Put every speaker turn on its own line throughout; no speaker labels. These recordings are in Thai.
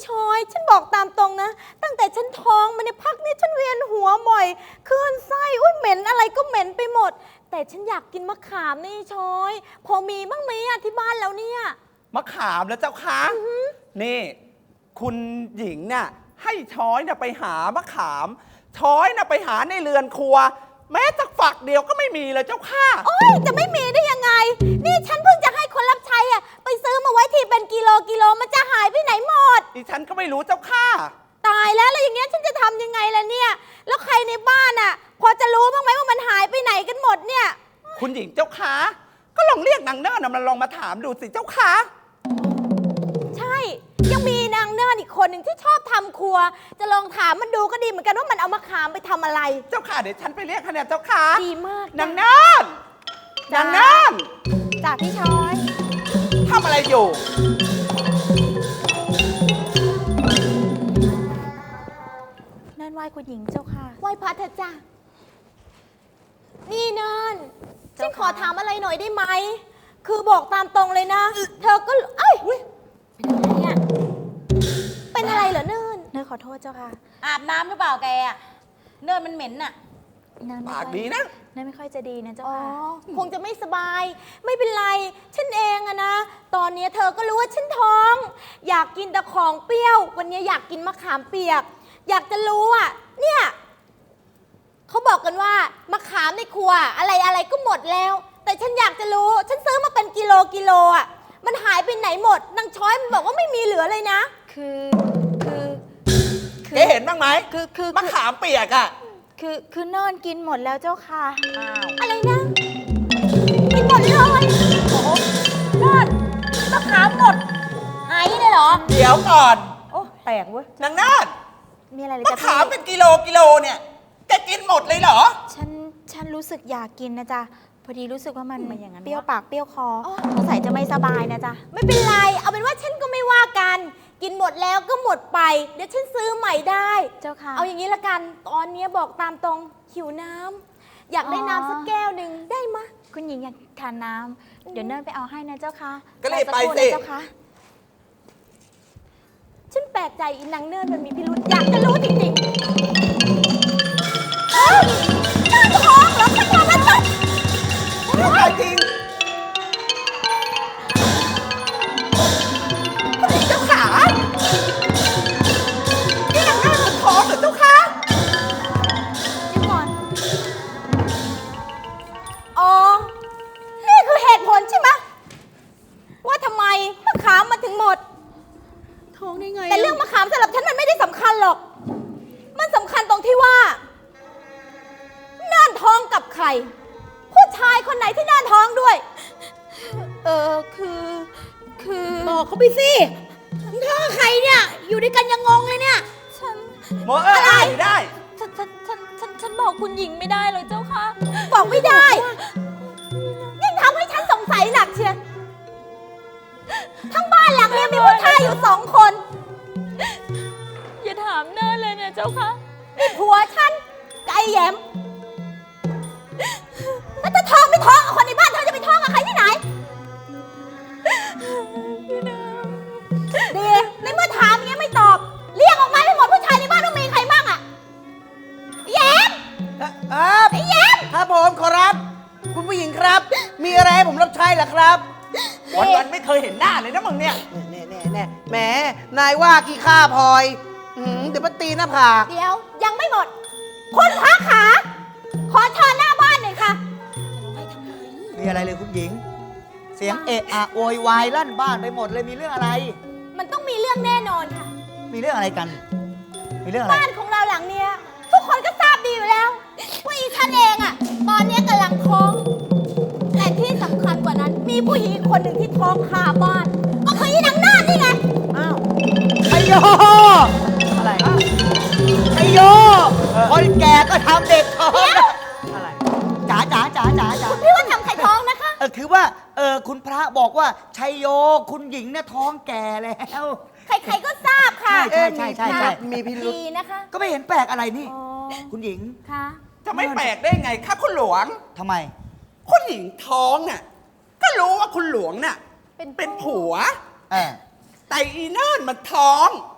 ช้อยฉันบอกตามตรงนะตั้งแต่ฉันท้องมาในพักนี้ฉันเวียนหัวบ่อยคลื่นไส้อุ้ยเหม็นอะไรก็เหม็นไปหมดแต่ฉันอยากกินมะขามนี่ช้อยพอมีบ้างไหมอะที่บ้านแล้วเนี่ย
มะขามแล้วเจ้าคะนี่คุณหญิงเนี่ยให้ช้อยเนี่ยไปหามะขามช้อยเนี่ยไปหาในเรือนครัวแม้แต่ฝักเดียวก็ไม่มีเลยเจ้าค่ะ
โอ้ยจะไม่มีได้ยังไงนี่ฉันเพิ่งจะให้คนรับใช้อะไปซื้อมาไว้ที่เป็นกิโลมันจะหายไปไหนหมด
ดิฉันก็ไม่รู้เจ้าค่ะ
ตายแล้วอย่างเงี้ยฉันจะทำยังไงล่ะเนี่ยแล้วใครในบ้านอะพอจะรู้บ้างไหมว่ามันหายไปไหนกันหมดเนี่ย
คุณหญิงเจ้าค่ะก็ลองเรียกนางเนิ่นมันลองมาถามดูสิเจ้าค่ะ
ใช่ยังมีนางเนิ่นอีกคนหนึ่งที่ชอบทำครัวจะลองถามมันดูก็ดีเหมือนกันว่ามันเอามะขามไปทำอะไร
เจ้าค่ะเดี๋ยวฉันไปเรียกคะแนนเจ้าค่ะ
ดีมาก
นางเนิ่นนางเนิ่น
จ่าพี่ช้อย
ทำอะไรอยู่
นั่นไหว้คุณหญิงเจ้าค่ะไหว้พระเถอะจ้านี่เนิ่นฉันขอถามอะไรหน่อยได้ไหมคือบอกตามตรงเลยนะเธอก็เอ้ยเป็นอะไรเหรอเนิ่นขอโทษเจ้าค่ะ
อาบน้ำหรือเปล่าแกอะเนิ่นมันเหม็นน่ะ
ปากดีนะ
เนิ่นไม่ค่อยจะดีนะเจ้าค่ะคงจะไม่สบายไม่เป็นไรฉันเองอะนะตอนนี้เธอก็รู้ว่าฉันท้องอยากกินแต่ของเปรี้ยววันนี้อยากกินมะขามเปียกอยากจะรู้อะเนี่ยเขาบอกกันว่ามะขามในครัวอะไรก็หมดแล้วแต่ฉันอยากจะรู้ฉันซื้อมาเป็นกิโลอ่ะมันหายไปไหนหมดนางช้อยมันบอกว่าไม่มีเหลือเลยนะคือ
เห็นบ้างไหมคือมะขามเปียกอ่ะ
คือเนิ่นกินหมดแล้วเจ้าค่ะอะไรนะกินหมดเลย
โอ้โหเนิ่นมะขามหมดหายเลยเหรอ
เดี๋ยวก่อน
โอ้แปลกเว้ย
นางเนิ่น
มีอะไรเลย
มะขามเป็นกิโลเนี่ยจะกินหมดเลยเหรอ
ฉันรู้สึกอยากกินนะจ๊ะพอดีรู้สึกว่ามันเปรี้ยวปากเปรี้ยวคอสงสัยจะไม่สบายนะจ๊ะไม่เป็นไรเอาเป็นว่าฉันก็ไม่ว่ากันกินหมดแล้วก็หมดไปเดี๋ยวฉันซื้อใหม่ได้เจ้าค่ะเอาอย่างนี้ละกันตอนนี้บอกตามตรงหิวน้ำอยากได้น้ำสักแก้วหนึ่งได้มะคุณหญิงอยากทานน้ำเดี๋ยวเนิ่นไปเอาให้นะเจ้าค่ะ
ก็เลยไปสิ
เจ้าค่ะฉันแปลกใจอีนางเนิ่นมันมีพิรุธอยากจะรู้จริงๆน่าท้องแล้วฉันทำมันจบ
ไม่ใช่จริงเจ้าขานี่นางเนิ่นมันท้องเหรอเจ้าคะ
เดี๋ยวก่อนอ๋อนี่คือเหตุผลใช่ไหมว่าทำไมมะขามมาถึงหมดท้องได้ไงแต่เรื่องมะขามสำหรับฉันมันไม่ได้สำคัญหรอกมันสำคัญตรงที่ว่าน่านท้องกับใครผู้ชายคนไหนที่น่านท้องด้วยคือ
บอกเขาไปสิท้องใครเนี่ยอยู่ด้วยกันยังงงเลยเนี่ย
หมออะไรได้
ฉันบอกคุณหญิงไม่ได้เลยเจ้าค่ะบอกไม่ได้ยิ่งทำให้ฉันสงสัยหนักเชียทั้งบ้านหลังนี้มีผู้ชายอยู่2 คนอย่าถามเนิ่นเลยเนี่ยเจ้าค่ะนี่ผัวฉันไก่แย้มแล้วจะท้องไม่ท้องกับคนในบ้านเธอจะไปท้องกับใครที่ไหนดีในเมื่อถามอย่างนี้ไม่ตอบเรียกออกมาให้หมดผู้ชายในบ้านต้องมีใครบ้างอะแย้มไอ้แย้ม
ครับผมขอรับคุณผู้หญิงครับมีอะไรให้ผมรับใช้เหรอครับ
วันไม่เคยเห็นหน้าเลยนะมึงเนี่ย
แหมนายว่าขี้ข้าพลอยเดี๋ยวมาตีหน้าผาก
เดี๋ยวยังไม่หมดคุณพระขาขอเชิญหน้าบ้านหน่อยค่ะ
มีอะไรเลยคุณหญิงเสียงเอะอะโวยวายลั่นบ้านไปหมดเลยมีเรื่องอะไร
มันต้องมีเรื่องแน่นอนค่ะ
มีเรื่องอะไรกันมีเรื่องอะไร
บ้านของเราหลังเนี้ยทุกคนก็ทราบดีอยู่แล้วว่าอีฉันเองอะตอนนี้กำลังท้องแต่ที่สำคัญกว่านั้นมีผู้หญิงคนหนึ่งที่ท้องคาบ้านก็คืออีนางนาฏนี่ไง
อ้าวไอโยอะไรไอโยคนแก่ก็ทำเด็กท้องอะไรจ๋า
พี่ว่าทำใครท้องนะคะ
คือว่าคุณพระบอกว่าชัยโยคุณหญิงเนี่ยท้องแก่แล้ว
ใครๆก็ทราบค่ะ
ใช่มีพิรุธ
นะคะ
ก็ไม่เห็นแปลกอะไรนี่คุณหญิง
ค่ะ
จะไม่แปลกได้ไงครับคุณหลวง
ทำไม
คุณหญิงท้องน่ะก็รู้ว่าคุณหลวงน่ะเป็นผัวแต่อีเนิ่นมันท้อง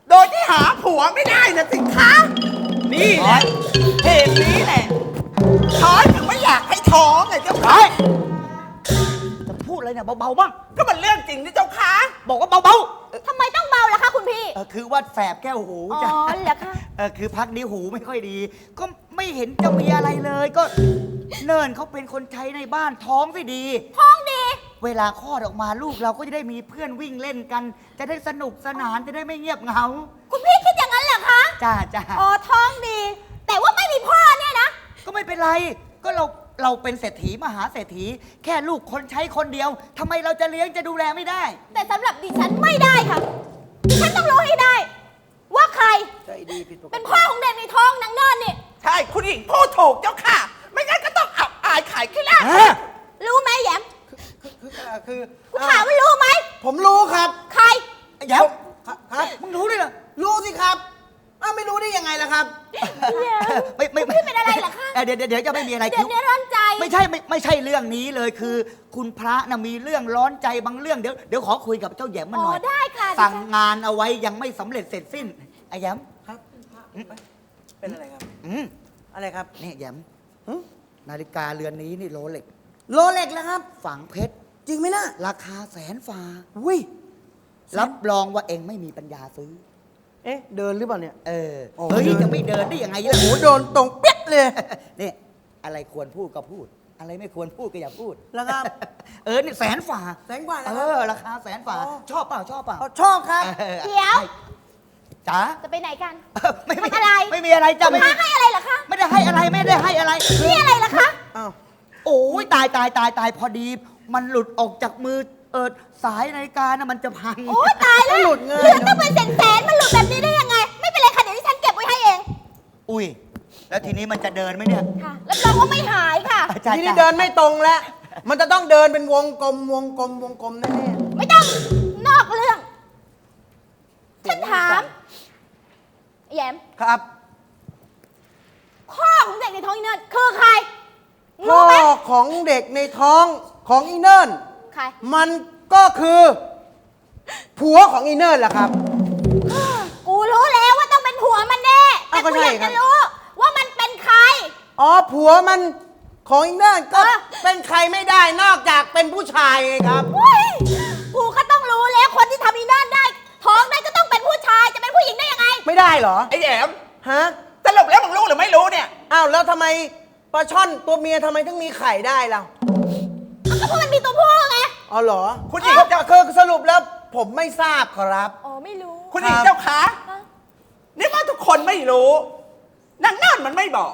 โดยที่หาผัวไม่ได้นะสิคะนี่แหละเหตุนี้แหละช้อยถึงไม่อยากให้ท้องไงเจ้าค่ะ
จะพูดอะไรเนี่ยเบาๆบ้าง
ก็มันเรื่องจริงนี่เจ้าค่ะ
บอกว่าเบา
ทำไมต้องเบาล่ะคะคุณพี่
ๆคือว่าแสบแก้วหู
อ๋อ
จ้ะ
เหรอคะ
คือพักนี้หูไม่ค่อยดี ก็ไม่เห็นจะมีอะไรเลย ก็เนินเขาเป็นคนใช้ในบ้านท้องสิดี
ท้องดี
เวลาคลอดออกมาลูกเราก็จะได้มีเพื่อนวิ่งเล่นกัน จะได้สนุกสนานจะได้ไม่เงียบเหงา
คุณพี่คิดอย่างนั้นเหรอคะ
จ้าจ้า
อ๋อท้องดี แต่ว่าไม่มีพ่อเนี่ยนะ
ก็ไม่เป็นไร ก็เราเป็นเศรษฐีมหาเศรษฐี แค่ลูกคนใช้คนเดียวทำไมเราจะเลี้ยงจะดูแลไม่ได้
แต่สำหรับดิฉันไม่ได้ค่ะ ดิฉันต้องรู้ให้ได้ ว่าใคร
ใจดีผิดปก
เป็น
ติ
พ่อของเด็กในท้องนางเนินนี่
ใช่คุณหญิงพูดถูกเจ้าค่ะ ไม่งั้นก็ต้องอับอายขายขี้หน้า
ฮะ
รู้ไหมแหยม
คือ
กูถามว่ารู้ไหม
ผมรู้ครับ
ใคร
เดี๋ยว
ครับ
มึงรู้ด้วยเหรอ
รู้สิครับไม่รู้ได้ยังไงล่ะครับ
ไม่
พี่เป็นอะไรเหรอคะ
เดี๋ยวจะไม่มีอะไร
เดี๋ยวร้อนใจ
ไม่ใช่เรื่องนี้เลยคือ คุณพระนะมีเรื่องร้อนใจบางเรื่องเดี๋ยวขอคุยกับเจ้าแหยมมันหน่อย
ได้ค่ะ
สั่งงานเอาไว้ยังไม่สำเร็จเสร็จสิ้นไอ้แหยม
ครับ เป็นอะไรครับ
อืม
อะไรครับ
นี่แหยม
หึ
นาฬิกาเรือนนี้นี่โรเล็ก
โรเล็กแล้วครับ
ฝังเพชร
จริงไหมนะ
ราคาแสนฝ่า
อุ้ย
รับรองว่าเองไม่มีปัญญาซื้อ
เอ๊ะ เดินหรือเปล่าเนี่ย
เออ
โอ้
เฮ้ย
เดิน
จะไม่เดินได้ยังไง
โอ้
ล่ะ
โห โดนตรงเปี้ยเลย
นี่อะไรควรพูดก็พูด อะไรไม่ควรพูดก็อย่าพูด
แล้วครับ
นี่แสนฝ่า
แสงกว่านะ
เอ
ครับ
อราคาแสนฝ่า
อ๋อ
ชอบเปล่าชอบเปล่า
ชอบครับ
เดี๋ยว
จ๋า
จะไปไหนกัน
ไม่
ทำอะไร
ไม่มีอะไรจ้ะไม่
มาให้อะไรเหรอคะ
ไม่ได้ให้อะไรไม่ได้ให้อะไร
นี่อะไรเหรอคะ
อ้าว
โอ้ยตายพอดี มันหลุดออกจากมือสายนาฬิกานะมันจะพัง
โอ้ตายแล้ว
หลุดเงิน
เหลือต้องเป็นแสนมันหลุดแบบนี้ได้ยังไง ไม่เป็นไรค่ะ เดี๋ยวดิฉันเก็บไว้ให้เอง
อุ้ยแล้วทีนี้มันจะเดินไหมเนี่ย
ค่ะรับรองว่าไม่หายค่ะ
จ้ะ
ทีนี้
จ้ะ
เดินไม่ตรงแล้ว มันจะต้องเดินเป็นวงกลมแน่
ไม่ต้องนอกเรื่อง ฉันถามแหยม
ๆครับ
พ่อของเด็กในท้องอีเนิร์ดคือใคร
พ่
รู้
อ
ไหม
ของเด็กในท้องของอีเนิร์น
ใคร
มันก็คือผัวของอีเนิร์นแหละครับ
กูรู้แล้วว่าต้องเป็นผัวมันแน่แต่
อ้าวก็
กู
ใช่
อยาก
ครั
จะ
บ
รู้ว่ามันเป็นใคร
อ๋อผัวมันของอีเนิร์นก็
เออ
เป็นใครไม่ได้นอกจากเป็นผู้ชายไงครับ
เฮ้ยกูก็ต้องรู้แล้วคนที่ทำอีเนิร์ดได้ ท้องได้ก็ต้องเป็นผู้ชายจะเป็นผู้หญิงได้ยังไง
ไม่ได้เหรอ
ไอ้แหยม
ฮะ
สรุปแล้วมึงรู้หรือไม่รู้เนี่ย
อ้าวแล้วทำไมปลาช่อนตัวเมียทำไมถึงมีไข่ได้ล่ะ
ก็เพราะมันมีตัวผู้ไง
อ๋อเหรอ
คุณหญิง
จะคือสรุปแล้วผมไม่ทราบครับ
อ๋อไม่รู้
คุณหญิง
ครับ
เจ้าคะนี่ว่าทุกคนไม่รู้นางนั่นมันไม่บอก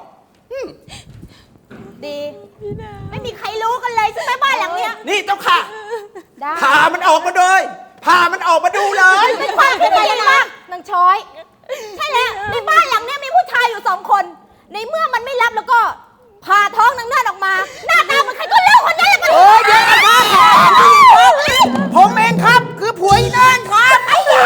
ดี ไม่มีใครรู้กันเลยใช่ไหมบ้านหลังเนี้ย
นี่เจ้าค่ะ
ได้
พามันออกมาเลยพามันออกมาดูเลย
เป็นความคิดอะไรกันบ้างนางช้อย ใช่แล้วในบ้านหลังเนี้ยมีผู้ชายอยู่2 คน ในเมื่อมันไม่รับแล้วก็ผ่าท้องนางเนิร์ดออกมา หน้าตาเหมันใครก็เลือกคนนั้นแหละมัน
โอ้ยเดี๋ยวนะครับผมเองครับ คือผัวอีเนิร์นครับ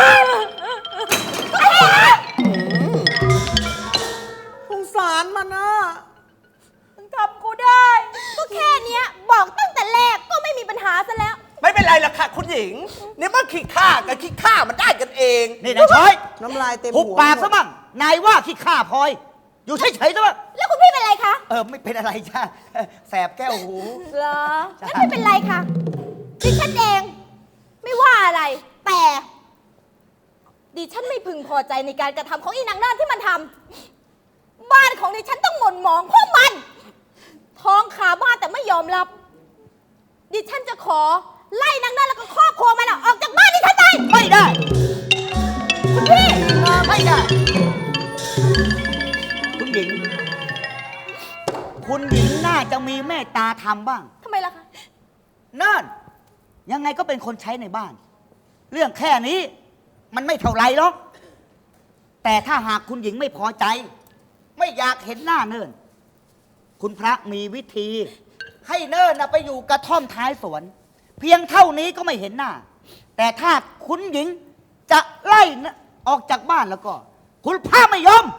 สงสารมันนะ
มึงทำกูได้ ก็แค่เนี้ยบอกตั้งแต่แรกก็ไม่มีปัญหาซะแล้ว
ไม่เป็นไรหรอกค่ะ คุณหญิงนี่มันขี้ข้ากับขี้ข้ามันได้กันเอง
นี่นายช้อย
น้ำลายเต็ม
หุบ
หัว
ปากซะบ้างนายว่าขี้ข้าพลอย อยู่เฉยๆซะบ้าง
แล้วคุณพี่เป็นไรคะ
ไม่เป็นอะไรจ้าแสบแก้วหู
เหรองั้นไม่เป็นไรค่ะดิฉันเองไม่ว่าอะไร แต่ดิฉันไม่พึงพอใจในการกระทำของอีนางเนิร์ดที่มันทำบ้านของดิฉันต้องหม่นหมองเพราะมัน ท้องขาบ้านแต่ไม่ยอมรับ ดิฉันจะขอไล่นางเนิร์ดแล้วก็ครอบครัวมันออกจากบ้านดิฉันไป
ไม่ได้
คุณพี่
ไม่ได้ คุณหญิง คุณหญิงน่าจะมีเมตตาธรรมบ้าง
ทำไมล่ะคะ
นั่นยังไงก็เป็นคนใช้ในบ้าน เรื่องแค่นี้ มันไม่เท่าไรหรอก แต่ถ้าหากคุณหญิงไม่พอใจ ไม่อยากเห็นหน้าเนิ่น คุณพระมีวิธี ให้เนิ่นนะไปอยู่กระท่อมท้ายสวน เพียงเท่านี้ก็ไม่เห็นหน้า แต่ถ้าคุณหญิงจะไล่นะออกจากบ้านแล้วก็ คุณพระไม่ยอม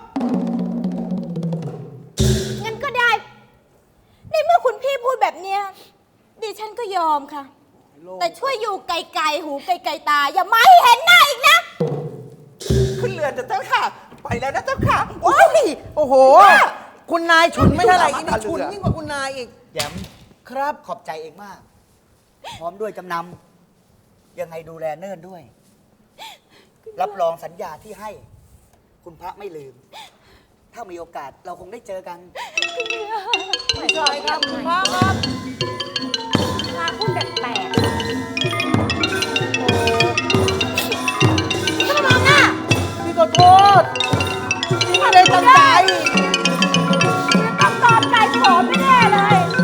งั้นก็ได้ ในเมื่อคุณพี่พูดแบบเนี้ยดิฉันก็ยอมค่ะ แต่ช่วยอยู่ไกลๆหูไกลๆตา อย่ามาให้เห็นหน้าอีกนะ
ขึ้นเรือนเถอะเจ้าค่ะ ไปแล้วนะเจ้าค่ะ
โอ้ยโอ้โห คุณนายฉุนไม่เท่าไหร่อีนี่
มา
ฉุน
เรือ
ยิ่งกว่าคุณนายอีก
แย้ม
ครับ
ขอบใจเองมาก พร้อมด้วยจำนำยังไงดูแลเนิ่นด้วย รับรองสัญญาที่ให้ คุณพระไม่ลืม ถ้ามีโอกาสเราคงได้เจอกัน
ไม่ใช่ครับคุณพ่อครับ
พาพูดแปลก
ก็มองอ่ะ
พี่ขอโทษพี่ไม่ได้ตั้งใจ
ๆต้องตอบใจโสมไม่แน่เลย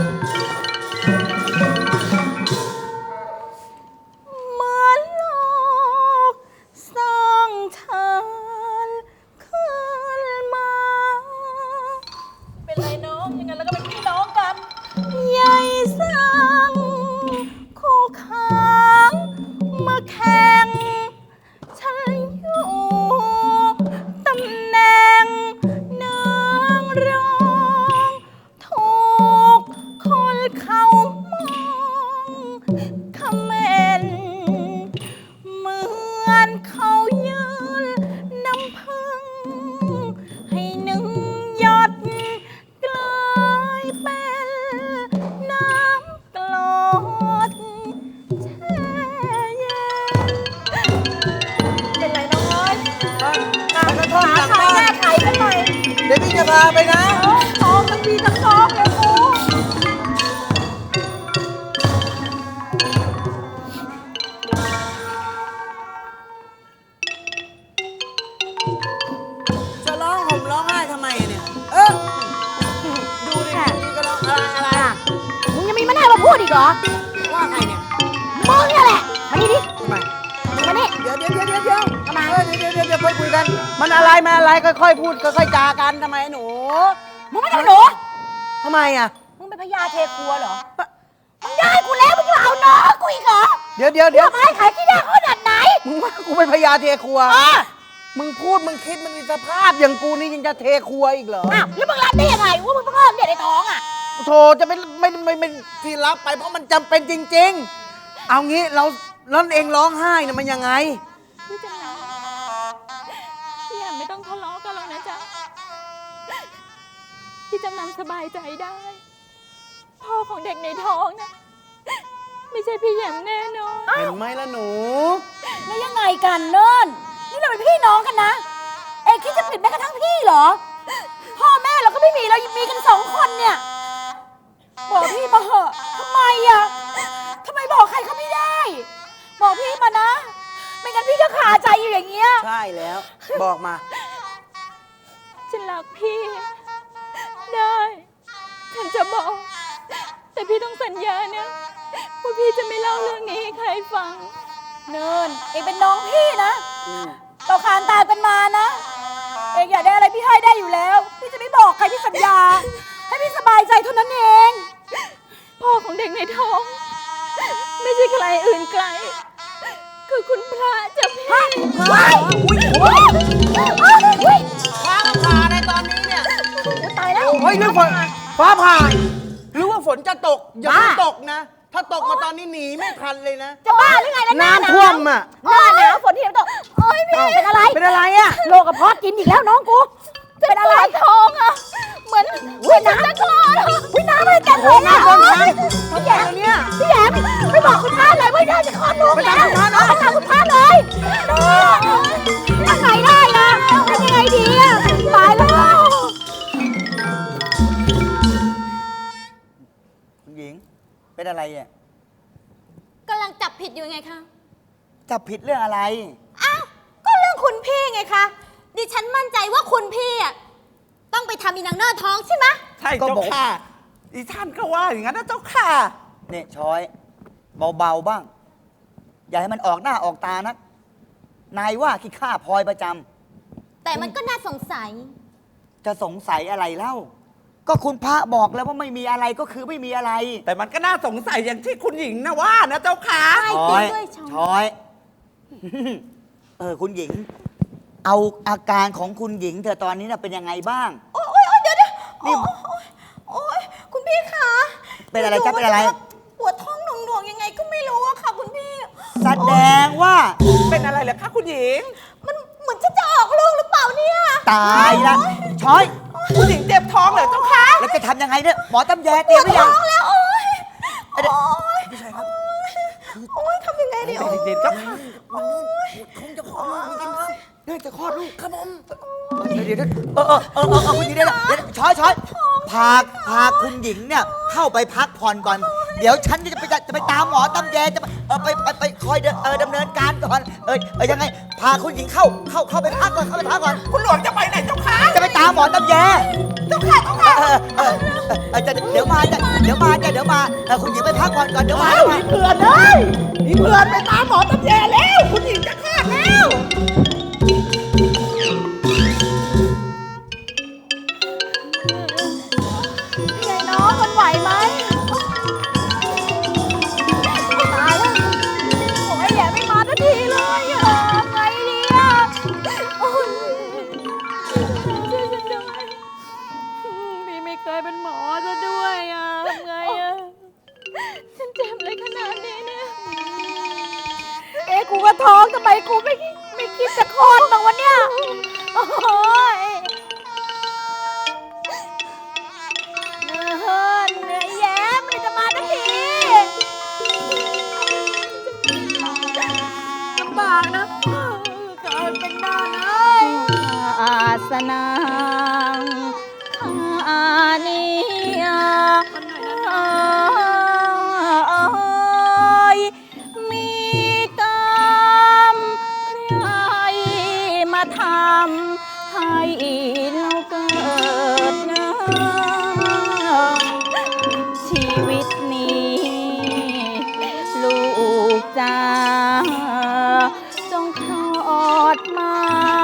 เหมือนโลกสร้างฉันขึ้นมา
เป็นไรน้องอย่างนั้นแล้วก็เป็นพี่น้องกัน
ใหญ่สังคู่ค้างมาแข่งฉันอยู่ตำแหน่งนางรองถูกคนเขามองคอมเมนต์เหมือนเขายืนน้ำพึ่งให้หนึ่งหยดกลายเป็นน้ำกรดแช่เย็นเป็นไรน้องเอ้ย
ไปกระท่อมหลัง
ขาย
บ้า
แก้
น
ไขกันหน่อย
เดี๋ยวพี่จะพาไปนะ
ท้องมันมีทั้งท้องเลยกู
จะร้องห่มร้องไห้ทำไมเนี่ย ดูดินี่ก็ร้องอะไร
มึงยังมีมันให้มาพูดอีกเหรอ
ว่าใครเนี่ย
มึงนี่แหละ มานี่ดิ
ทำไม
มานี่
เดี๋ยว
ทำไม
เดี๋ยวค่อยคุยกัน มันอะไรค่อยๆพูดค่อยๆจากันทำไมหนู
มึงไม่ต้องหนู
ทำไมอ่ะ
มึงเป็นพญาเทครัวเหรอ มึงได้กูแล้วมึงจะเอาน้องกูอีกเหรอ
เดี๋ยว
ทำไมขายที่ได้ขนาดไหน
มึงว่ากูเป็นพญาเทครัว
เออ
มึงพูดมึงคิดมึงมีสภาพอย่างกูนี่ยังจะเทครัวอีกเหรอ
อ้าวแล้วมึงรับได้ยังไงว่ามึงเพิ่งเริ่มเด็กในท้องอ่ะ
โธ่จะไม่ที่รับไปเพราะมันจำเป็นจริง ๆ เอางี้เราเองร้องไห้เนี่ยมันยังไง
พี่จำนำพี่แอมไม่ต้องทะเลาะกันหรอกนะจ๊ะ พี่จำนำสบายใจได้ พ่อของเด็กในท้องนะไม่ใช่พี่แยมแน่นอน
เห็นไหมล่ะหนู
แล้วยังไงกันเนิ่นนี่เราเป็นพี่น้องกันนะ เอกคิดจะปิดแม้กระทั่งพี่เหรอ พ่อแม่เราก็ไม่มีเรามีกัน2 คนเนี่ย บอกพี่มาเหอะทำไมอ่ะทำไมบอกใครเขาไม่ได้ บอกพี่มานะ ไม่งั้นพี่ก็ขาใจอยู่อย่างเงี้ย
ใช่แล้ว บอกมา
ฉันรักพี่ ได้ ฉันจะบอก แต่พี่ต้องสัญญานะว่าพี่จะไม่เล่าเรื่องนี้ให้ใครฟัง
เนินเอกเป็นน้องพี่นะเราคานตามกันมานะ เอกอยากได้อะไรพี่ให้ได้อยู่แล้ว พี่จะไม่บอกใครพี่สัญญา ให้พี่สบายใจเท่านั้นเอง
พ่อของเด็กในท้อง ไม่ใช่ใครอื่นไกล คือคุณพระเจ้าพี่
ว้ายอุ้ยอุ้ย
ฟ้าผ่าในตอนนี้เนี่ย
ตายแล้ว
เฮ้ยเรื่องฝนฟ้าผ่า หรือว่าฝนจะตก อย่าเพิ่ง
บ้า
ตกนะ ถ้าตกมาตอนนี้หนีไม่ทันเลยนะ
จะบ้าหรือไงแล้วหน้าหนาว
น้ำท่วมอ่ะ
หน้าหนาวฝนที่ไหนตกโอ้ยพี่เป็นอะไร
เป็นอะไรอ่ะ
โรคกระเพาะกินอีกแล้วน้องกูเป็นอะไรท้องอ่ะ เหมือนน้ำจะคลอดวิน้ำอะไรเต็มเลยอ่ะ
โอ้โหน้ำท่วม
พี่แยม
เนี่ย
พี่แยมไม่บอกคุณพระเลยว่าน่าจะคลอดลูกแล้ว
ไปตามคุณพระนะ
ไปตามคุณพระเลยทำไงได้ล่ะทำยังไงดีอ่ะตายแล้ว
คุณหญิง เป็นอะไรอ่ะ
กำลังจับผิดอยู่ไงคะ
จับผิดเรื่องอะไร
อ้าวก็เรื่องคุณพี่ไงคะดิฉันมั่นใจว่าคุณพี่อ่ะต้องไปทำอีนางเนอร์ท้องใช่ไหม
ใช่
ก็
เจ้า
บอก
ค่ะอีท่านก็ว่าอย่างนั้นนะเจ้าค่ะ
เนี่ยช้อย เบาๆบ้าง อย่าให้มันออกหน้าออกตานัก นายว่าขี้ข้าพลอยประจำ
แต่มันก็น่าสงสัย
จะสงสัยอะไรเล่า ก็คุณพระบอกแล้วว่าไม่มีอะไรก็คือไม่มีอะไร
แต่มันก็น่าสงสัยอย่างที่คุณหญิงนะว่านะเจ้าค่ะ
ใช่
ช้อย
จริงด้วยช้อย
ช้อย คุณหญิง เอาอาการของคุณหญิงเธอตอนนี้น่ะเป็นยังไงบ้าง
โอ๊ยเดี๋ยว
นี่
โอ๊ยคุณพี่คะ
เป็นอะไรจ๊ะเป็นอะไร
ปวดท้องหน่วงๆยังไงก็ไม่รู้อะค่ะคุณพี่
แสดงว่า
เป็นอะไรเหรอคะคุณหญิง
มันเหมือนฉันจะออกเนี่ย
ตายละช้อย
คุณหญิงเจ็บท้องเหรอเจ้าคะ
แล้วจะทำยังไงเนี่ยหมอตำแยเตรียมหรือยัง
ท้องแล้วโอ๊ย
เดี๋ยว
พี่ชายครับโอ๊ยทำยังไงดีโอ๊ย
เด็ดๆเจ้าค่ะ
คงจะขอลูกจริงครับน่าจะคลอดลูกครับผม
เดี๋ยวคุณหญิงเดี๋ยวช้อยพาคุณหญิงเนี่ยเข้าไปพักผ่อนก่อน เดี๋ยวฉันจะไปตามหมอตำแยจะไปคอยดำเนินการก่อนยังไงพาคุณหญิงเข้าไปพักก่อน
คุณหลวงจะไปไหนเจ้าคะ
จะไปตามหมอตำแย
เจ้าค่ะเจ้าค่ะ
เดี๋ยวมาคุณหญิงไปพักผ่อนก่อนเดี๋ยวมา
อ้าวมีเพื่อนเลยมีเพื่อนไปตามหมอตำแยแล้ว คุณหญิงจะคลอดแล้ว
ไงน้องมันไหวไหมตายแล้วโอ๊ยแย่ไม่มาสักทีเลยอะไงดีอะโอ๊ย
ช่วยฉันด้วยพี่ไม่เคยเป็นหมอซะด้วยอ่ะทำไงอ่ะ ฉันเจ็บเลยขนาดนี้เนี่ย
เอ๊ะกูก็ท้องทำไมกูไม่คิดจะคลอดบ้างวะเนี่ยโอ้ยเนื้อแย้มเลยจะมาสักทีลำบากนะเกิดเป็นนานเลย
อาสนังอานิยามีกรรมใครมาทำให้เราเกิดนะชีวิตนี้ ลูกจ้าจงคลอดมา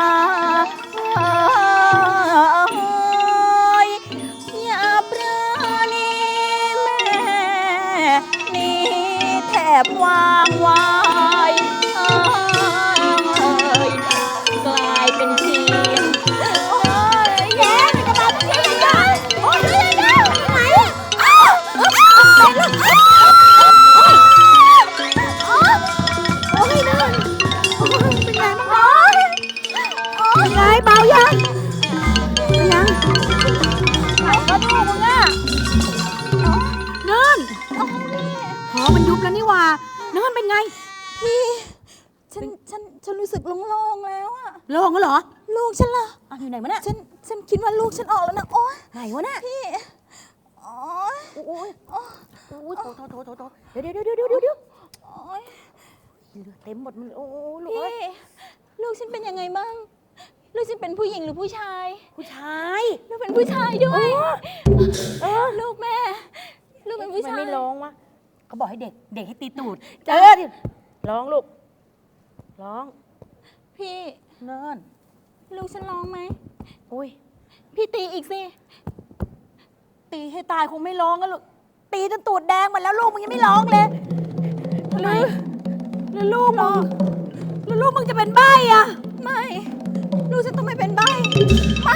อย่าปราณีแม่นี่แทบวางไว้กลายเป็นเพียง
โอ๊ยแย้มจะมาสักทีเลยโอ๊ยเร็วๆไหนอ้าวไปลูกโอ๊ยนั่นโอ๊ยเป็นไงบ้างน้องเป็นไงเบายังเป็นยังไหนก็ดูมึงอ่ะเนินหอมันยุบแล้วนี่หว่าเนินเป็นไง
พี่ ฉันรู้สึกโล่งๆแล้วอะ
โล่งแล้วเหรอ
ลูกฉันล่ะ
อ่ะอยู่ไหนวะเนี่ย
ฉันคิดว่าลูกฉันออกแล้วนะ โอ๊ย
ไหนวะเนี่ย
พี่โอ๊ย
โอ้ยโอ้ยโถเดี๋ยว
โอ๊ย
เต็มหมดมันโอ้ลูก
พี่
เอ้ย
ลูกฉันเป็นยังไงบ้าง ลูกฉันเป็นผู้หญิงหรือผู้ชาย
ผู้ชาย
ลูกเป็นผู้ชายด้วยลูกแม่ ลูกเป็นผู้
มัน
ชาย
ไม่ร้องวะเขาบอกให้เด็กให้ตีตูด
จ้ะ
ดิร้องลูกร้อง
พี่
เนิน
ลูกฉันร้องไหม
อุ้ย
พี่ตีอีกสิ
ตีให้ตายคงไม่ร้องกันลูกตีจนตูดแดงหมดแล้วลูกมึงยังไม่ร้องเลยทำไมแล้วลูกมึงจะเป็นใบ้อะ
ไม่ ลูกฉันต้องไม่เป็นใบ้
ไม่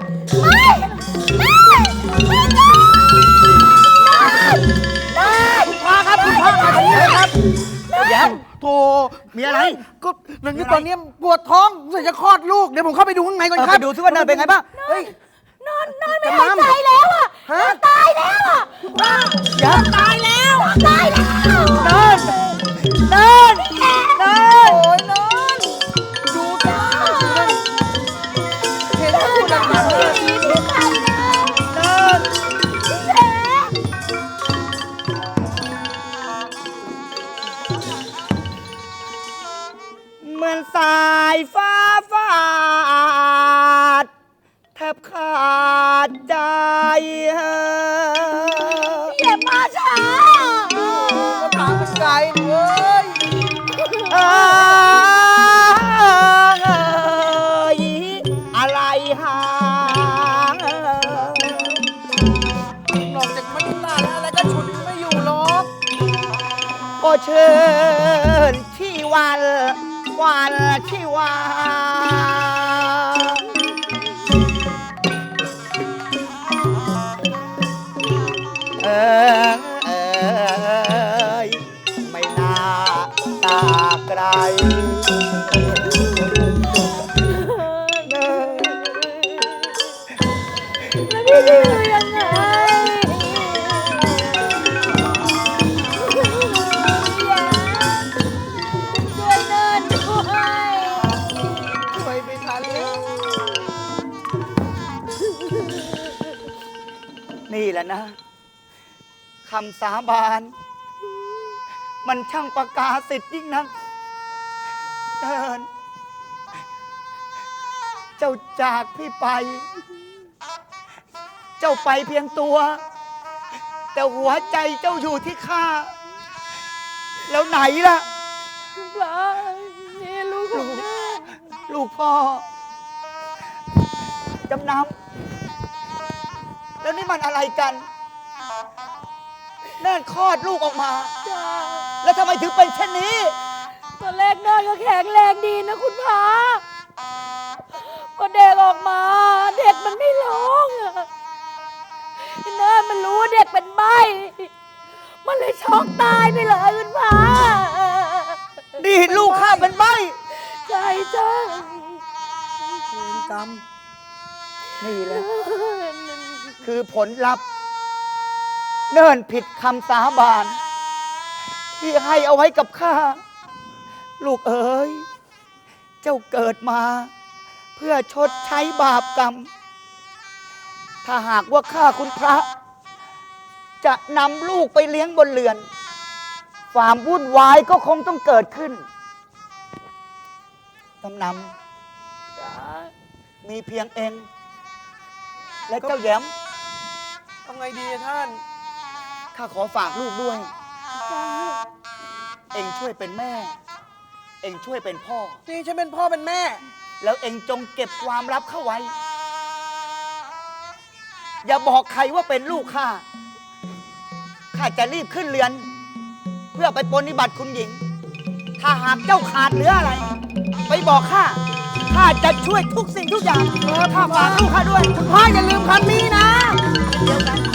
คุณพ่อครับคุณพ่อมาตรงนี้เลยครับ
ยังโธ่
มีอะไร
ก็นันตอนนี้ปวดท้องเสร็จจะคลอดลูก เดี๋ยวผมเข้าไปดูข้างในก่อนค
ไป
รับ
ดูซิว่าเนินเป็นไงบ้าง
เฮ้ย
นอนไม่หายใจแล้วอะ
ฮะ
ตายแล้วอะว่าอย่าตายแล้วตายแล้ว
เนิน
โอ้ยนอน
ดูจ้าเห็นแล้วคุณดังๆเลย
พี่ไข่นะ
เนิน
พี่แฉ
เหมือนสายฟ้าฟาดแทบขาดใจ
อย่ามาช้า
ก็ถามเป็นไก่เว้ย
อะไรหาง
นอกจากมันตาแล้วอะไรก็ฉุดไม่อยู่หรอก
ก็เชิญที่วันที่วาไม่น่าตาไกลละนะคำสาบานมันช่างประกาศสิทธิ์ยิ่งนักเดิน เจ้าจากพี่ไป เจ้าไปเพียงตัว แต่หัวใจเจ้าอยู่ที่ข้า แล้วไหนล่ะ
พระนี่ลูกของแม่
ลูกพ่อ จำนำแล้วนี่มันอะไรกันเนิ่นคลอดลูกออกมา
จ้า
แล้วทำไมถึงเป็นเช่นนี้
ตอนแรกเนินก็แข็งแรงดีนะคุณพระพอเด็กออกมา เด็กมันไม่ร้องอะเนินมันรู้ว่าเด็กเป็นใบ้มันเลยช็อกตายไปเลยคุณพระ
นี่ลูกข้าเป็นใบ
ใช่จ้า
เวรกรรม
นี่แหละ คือผลลัพธ์เนิ่นผิดคำสาบาน ที่ให้เอาไว้กับข้า ลูกเอ๋ย เจ้าเกิดมา เพื่อชดใช้บาปกรรม ถ้าหากว่าข้าคุณพระ จะนำลูกไปเลี้ยงบนเรือน ความวุ่นวายก็คงต้องเกิดขึ้นตำนำมีเพียงเอง และเจ้าแย้ม
ทำไงดีอะท่าน
ข้าขอฝากลูกด้วย เองช่วยเป็นแม่ เองช่วยเป็นพ่อ
นี่ฉันเป็นพ่อเป็นแม่
แล้วเองจงเก็บความลับเข้าไว้ อย่าบอกใครว่าเป็นลูกข้า ข้าจะรีบขึ้นเรือน เพื่อไปปฏิบัติคุณหญิง ถ้าหากเจ้าขาดเหลืออะไร ไปบอกข้า ข้าจะช่วยทุกสิ่งทุกอย่างข้าฝากลูกข้าด้วย
คุณพ่ออย่าลืมคำนี้นะ
เดียวกัน